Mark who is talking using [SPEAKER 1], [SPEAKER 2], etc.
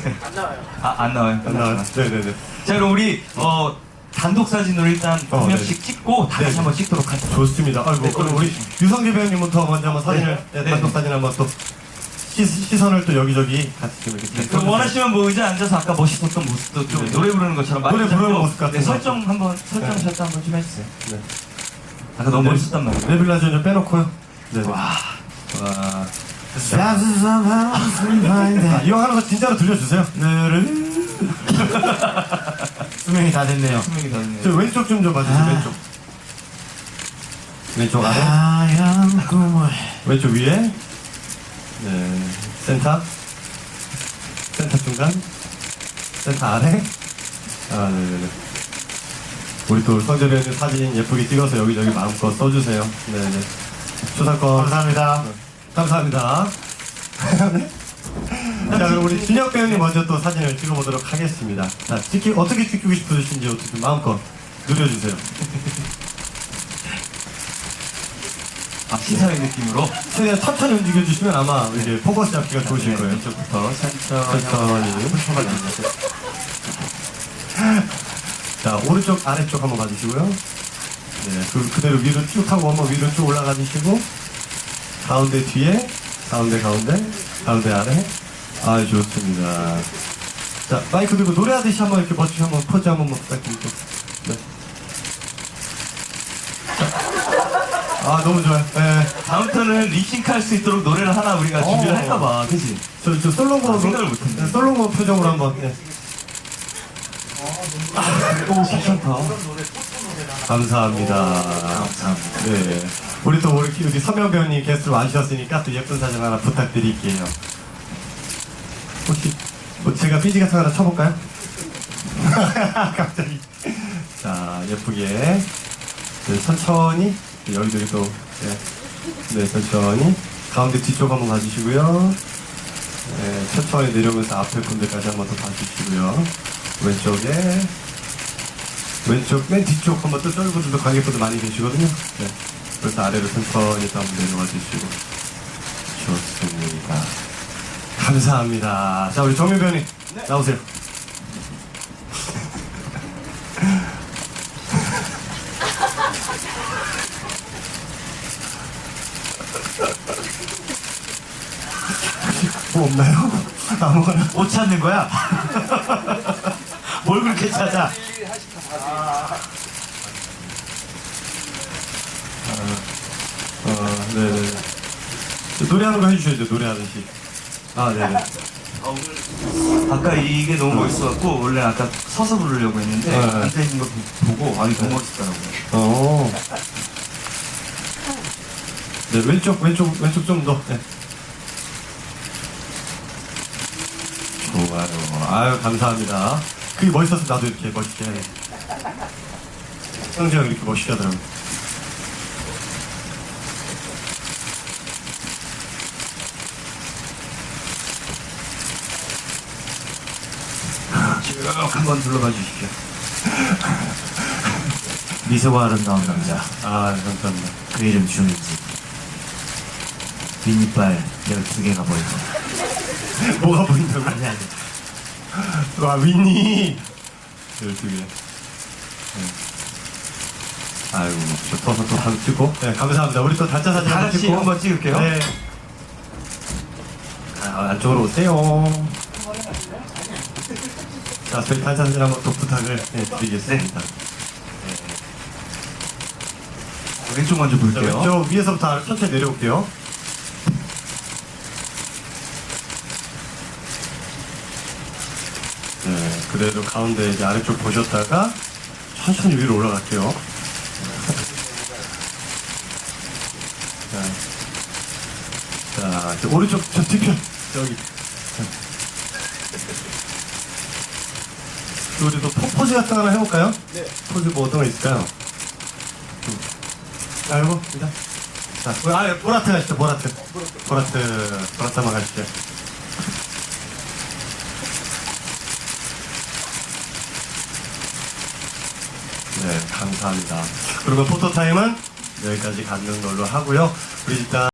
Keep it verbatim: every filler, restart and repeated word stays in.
[SPEAKER 1] 안 나와요.
[SPEAKER 2] 아, 안 나와요.
[SPEAKER 3] 안 나와요. 네네네.
[SPEAKER 2] 자, 그럼 우리 어 단독 사진으로 일단
[SPEAKER 3] 어,
[SPEAKER 2] 한 명씩
[SPEAKER 3] 네.
[SPEAKER 2] 찍고 다 같이
[SPEAKER 3] 네.
[SPEAKER 2] 한번 찍도록 하죠.
[SPEAKER 3] 좋습니다. 아이고,
[SPEAKER 2] 네,
[SPEAKER 3] 그럼 우리 유성재 배우님부터 먼저 한번 사진을,
[SPEAKER 2] 네.
[SPEAKER 3] 네, 단독
[SPEAKER 2] 네.
[SPEAKER 3] 사진 한번 또 시, 시선을 또 여기저기 같이 좀 이렇게.
[SPEAKER 2] 네, 그럼 원하시면 뭐 의자 앉아서 아까 멋있었던 모습도 좀
[SPEAKER 3] 네.
[SPEAKER 2] 노래 부르는 것처럼 많이
[SPEAKER 3] 노래 부르는
[SPEAKER 2] 잡고,
[SPEAKER 3] 모습 같은
[SPEAKER 2] 네,
[SPEAKER 3] 거.
[SPEAKER 2] 설정 한번 설정
[SPEAKER 3] 네.
[SPEAKER 2] 설정 한번 좀 해주세요.
[SPEAKER 3] 네.
[SPEAKER 2] 아까 너무
[SPEAKER 3] 네.
[SPEAKER 2] 멋있었단 말이에요.
[SPEAKER 3] 레빌라전 좀 빼놓고요. 네.
[SPEAKER 2] 와, 와.
[SPEAKER 3] 아, 이거 하는 거 진짜로 들려주세요.
[SPEAKER 4] 수명이 다 됐네요.
[SPEAKER 2] 분명히 다르네요.
[SPEAKER 3] 저 왼쪽 좀 좀 봐주세요.
[SPEAKER 4] 아.
[SPEAKER 3] 왼쪽. 왼쪽 아래.
[SPEAKER 4] 하얀 꿈을
[SPEAKER 3] 왼쪽 위에. 네. 센터. 센터 중간. 센터 아래. 아, 네네네. 우리 또 성재 배우님 사진 예쁘게 찍어서 여기저기 마음껏 써주세요. 네네. 초상권.
[SPEAKER 4] 감사합니다.
[SPEAKER 3] 감사합니다. 네. 자, 그럼 우리 진혁 배우님 먼저 또 사진을 찍어보도록 하겠습니다. 자, 찍기, 어떻게 찍고 싶으신지 어떻게 마음껏 누려주세요.
[SPEAKER 2] 아, 시사의 느낌으로.
[SPEAKER 3] 최대한 천천히 움직여주시면 아마 이제 포커스 잡기가 좋으실
[SPEAKER 2] 네,
[SPEAKER 3] 거예요.
[SPEAKER 2] 이쪽부터 천천히.
[SPEAKER 3] 천천히. 자, 오른쪽, 아래쪽 한번 봐주시고요. 네, 그, 그대로 위로 쭉 하고 한번 위로 쭉 올라가 주시고, 가운데 뒤에, 가운데, 가운데, 가운데 아래. 아, 좋습니다. 자, 마이크 들고 노래하듯이 한번 이렇게 멋지게 한번 포즈 한번 부탁드릴게요. 네. 자. 아, 너무 좋아요. 네.
[SPEAKER 2] 다음부터는 립싱크 할 수 있도록 노래를 하나 우리가 준비를
[SPEAKER 3] 어.
[SPEAKER 2] 할까봐, 그치?
[SPEAKER 3] 저, 저 솔로몬,
[SPEAKER 2] 아, 생각을 못했네.
[SPEAKER 3] 네, 솔로몬 표정으로 한번. 네.
[SPEAKER 2] 오, 괜찮다.
[SPEAKER 3] 감사합니다.
[SPEAKER 2] 감사합니다.
[SPEAKER 3] 네. 우리 또 우리 여기 서명 배우님 게스트로 와주셨으니까 또 예쁜 사진 하나 부탁드릴게요. 혹시 뭐 제가 삐지 같은 거 하나 쳐볼까요? 갑자기. 자, 예쁘게. 네, 천천히. 네, 여기저기 또. 네. 네, 천천히. 가운데 뒤쪽 한번 봐주시고요. 네, 천천히 내려오면서 앞에 분들까지 한번 더 봐주시고요. 왼쪽에. 왼쪽 맨 뒤쪽 한번 또 쫄분들도 관객분들 많이 계시거든요. 네. 그래서 아래로 천천히 또 한번 내려와 주시고. 좋습니다. 감사합니다. 자, 우리 정민 배우님 나오세요. 뭐 없나요? 아무거나.
[SPEAKER 2] 못 찾는 거야? 뭘 그렇게 찾아?
[SPEAKER 3] 어, 네네. 노래하는 거 해주셔야죠, 노래하듯이. 아, 네네.
[SPEAKER 2] 아까 이게 너무 멋있어갖고, 원래 아까 서서 부르려고 했는데,
[SPEAKER 3] 네.
[SPEAKER 2] 앉아있는 거 보고, 아, 이거 너무 멋있더라고요.
[SPEAKER 3] 어. 네, 왼쪽, 왼쪽, 왼쪽 좀 더. 네. 좋아요. 아유, 감사합니다. 그게 멋있어서 나도 이렇게 멋있게 해. 성재가 이렇게 멋있게 하더라고요.
[SPEAKER 2] 쭉 한번 둘러봐 주십시오.
[SPEAKER 4] 미소가 아름다운 남자.
[SPEAKER 3] 아, 감사합니다.
[SPEAKER 4] 그 이름 주민지. 빈이빨 열두 개가 보이고.
[SPEAKER 3] 뭐가 보인다고?
[SPEAKER 4] 아니 아니.
[SPEAKER 3] 와, 위니. 열두 개. 네. 아유, 저 서서 또 사진 찍고. 네, 감사합니다. 우리 또 단체 사진
[SPEAKER 2] 다
[SPEAKER 3] 한번
[SPEAKER 2] 같이
[SPEAKER 3] 찍고.
[SPEAKER 2] 한번 찍을게요.
[SPEAKER 3] 네. 아, 안쪽으로 오세요. 자, 저희 단체 사진 한번 또 부탁을 네, 드리겠습니다.
[SPEAKER 2] 왼쪽 먼저
[SPEAKER 3] 자,
[SPEAKER 2] 볼게요.
[SPEAKER 3] 왼쪽 위에서부터 천천히 내려올게요. 네, 그대로 가운데 이제 아래쪽 보셨다가 천천히 위로 올라갈게요. 자, 자, 이제 오른쪽 저 뒤편 여기. 우리 또 포- 포즈 같은 거 하나 해볼까요? 네. 포즈 뭐 어떤 거 있을까요? 음. 아이고, 일단. 자, 우리 아, 보라트 가시죠, 보라트. 보라트, 보라트 한번 가시죠. 네, 감사합니다. 그리고 포토타임은 여기까지 갖는 걸로 하고요. 우리 일단